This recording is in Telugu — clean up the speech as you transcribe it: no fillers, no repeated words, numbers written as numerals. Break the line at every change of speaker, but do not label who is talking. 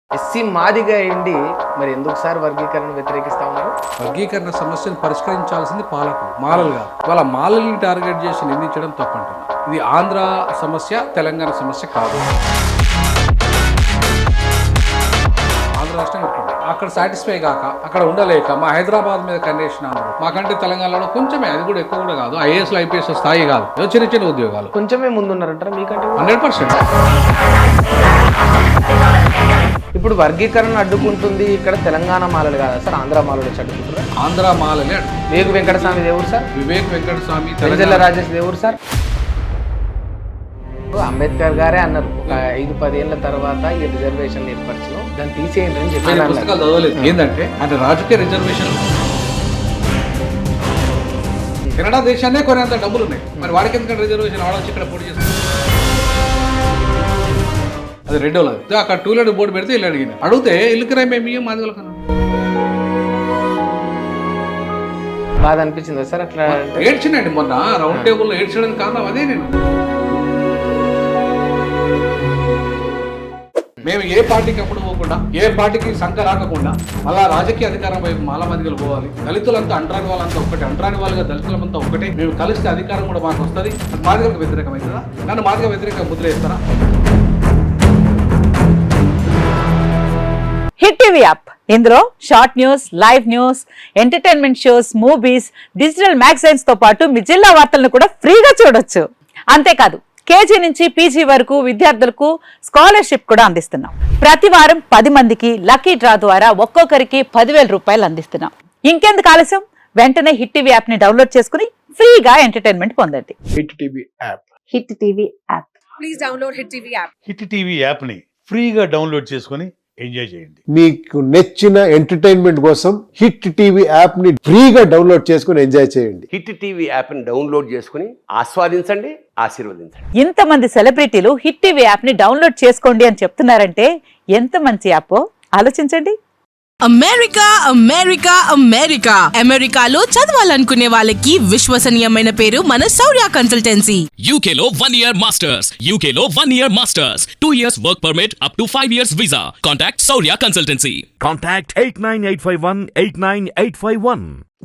ఎస్సీ మాదిగా అయింది మరి ఎందుకు సార్ వర్గీకరణ వ్యతిరేకిస్తా ఉన్నారు?
వర్గీకరణ సమస్యను పరిష్కరించాల్సింది పాలకులు, మాలలు కాదు. వాళ్ళ మాలల్ని టార్గెట్ చేసి నిందించడం తప్పంటున్నా. ఇది ఆంధ్ర సమస్య, తెలంగాణ సమస్య కాదు. ఆంధ్ర రాష్ట్రం ఉంటుంది, అక్కడ సాటిస్ఫై కాక అక్కడ ఉండలేక మా హైదరాబాద్ మీద కండిషన్ అన్నారు. మాకంటే తెలంగాణలో కొంచెమే, అది కూడా ఎక్కువ కూడా కాదు, ఐఏఎస్లు ఐపీఎస్ స్థాయి కాదు, ఏదో చిన్న చిన్న ఉద్యోగాలు.
కొంచెమే ముందున్నారంటారా మీకంటే?
100%.
ఇప్పుడు వర్గీకరణ అడ్డుకుంటుంది ఇక్కడ తెలంగాణ మాలలు కాదా సార్, ఆంధ్ర మాలలు వచ్చి అడ్డుకుంటారు?
ఆంధ్ర మాలలే
వివేక్ వెంకటస్వామి దేవుడు సార్,
వివేక్ వెంకటస్వామి,
తెలంగాణ రాజేష్ దేవుడు సార్. అంబేద్కర్ గారే అన్నారు ఒక 5-10 ఏళ్ల తర్వాత ఈ రిజర్వేషన్ ఏర్పరచను, దాన్ని తీసేయండి అని చెప్పారు.
పుస్తకాలు చదవలేదు. ఏంటంటే అంటే రాజకీయ రిజర్వేషన్ కెనడా దేశాన్నే కొనేంత డబ్బులు ఉన్నాయి, మరి వాడికి ఎందుకంటే రిజర్వేషన్ వాడొచ్చి ఇక్కడ పోటీ చేస్తారు. అది రెండోది. అక్కడ టూలెట్ బోర్డు పెడితే ఇల్లు అడిగితే ఇల్లుకి రాయి మేము మాది వాళ్ళకన్నా
బాధ అనిపించిందా సార్? అట్లా
ఏడ్చినండి మొన్న రౌండ్ టేబుల్లో ఏడ్చడానికి కారణం అదే. మేము ఏ పార్టీకి అప్పుడు పోకుండా, ఏ పార్టీకి సంఖ రాకుండా మళ్ళా రాజకీయ అధికారం వైపు మాలమాదిగలు పోవాలి. దళితులంతా అంటరాని వాళ్ళంతా ఒకటే, అంటరాని వాళ్ళుగా దళితులంతా ఒకటే. మేము కలిస్తే అధికారం కూడా మాకు వస్తుంది. మాదిగలకు వ్యతిరేకమవుతుందా? నన్ను మాదిగ వ్యతిరేక ముద్ర వేస్తారా?
హిట్ టీవీ యాప్, ఇందులో short news, live news, entertainment shows, movies, digital magazines తో పాటు మీ జిల్లా వార్తలను కూడా ఫ్రీగా చూడొచ్చు. అంతేకాదు కేజీ నుంచి పీజీ వరకు విద్యార్థులకు స్కాలర్షిప్ కూడా అందిస్తున్నాం. ప్రతి వారం 10 మందికి లక్కీ డ్రా ద్వారా ఒక్కొక్కరికి 10,000 రూపాయలు అందిస్తున్నాం. ఇంకెందుకు ఆలస్యం, వెంటనే హిట్ టీవీ యాప్ ని డౌన్లోడ్ చేసుకుని ఫ్రీగా ఎంటర్టైన్మెంట్ పొందండి.
Hit TV app.
Hit TV app.
Please download hit TV app.
Hit TV యాప్ని ఫ్రీగా డౌన్లోడ్ చేసుకొని ఎంజాయ్ చేయండి.
మీకు నచ్చిన ఎంటర్టైన్మెంట్ కోసం హిట్ టీవీ యాప్ ని ఫ్రీగా డౌన్లోడ్ చేసుకుని ఎంజాయ్ చేయండి.
హిట్ టీవీ యాప్ని డౌన్లోడ్ చేసుకుని ఆస్వాదించండి, ఆశీర్వదించండి.
ఇంతమంది సెలబ్రిటీలు హిట్ టీవీ యాప్ ని డౌన్లోడ్ చేసుకోండి అని చెప్తున్నారంటే ఎంత మంచి యాప్ ఆలోచించండి.
అమెరికా అమెరికా అమెరికా అమెరికాలో చదవాలనుకునే వాళ్ళకి విశ్వసనీయమైన పేరు మన శౌర్య కన్సల్టెన్సీ.
UK లో 1 year masters, UK లో 1 year masters, 2 years work permit up to 5 years visa. Contact Saurya Consultancy.
Contact 89851 89851.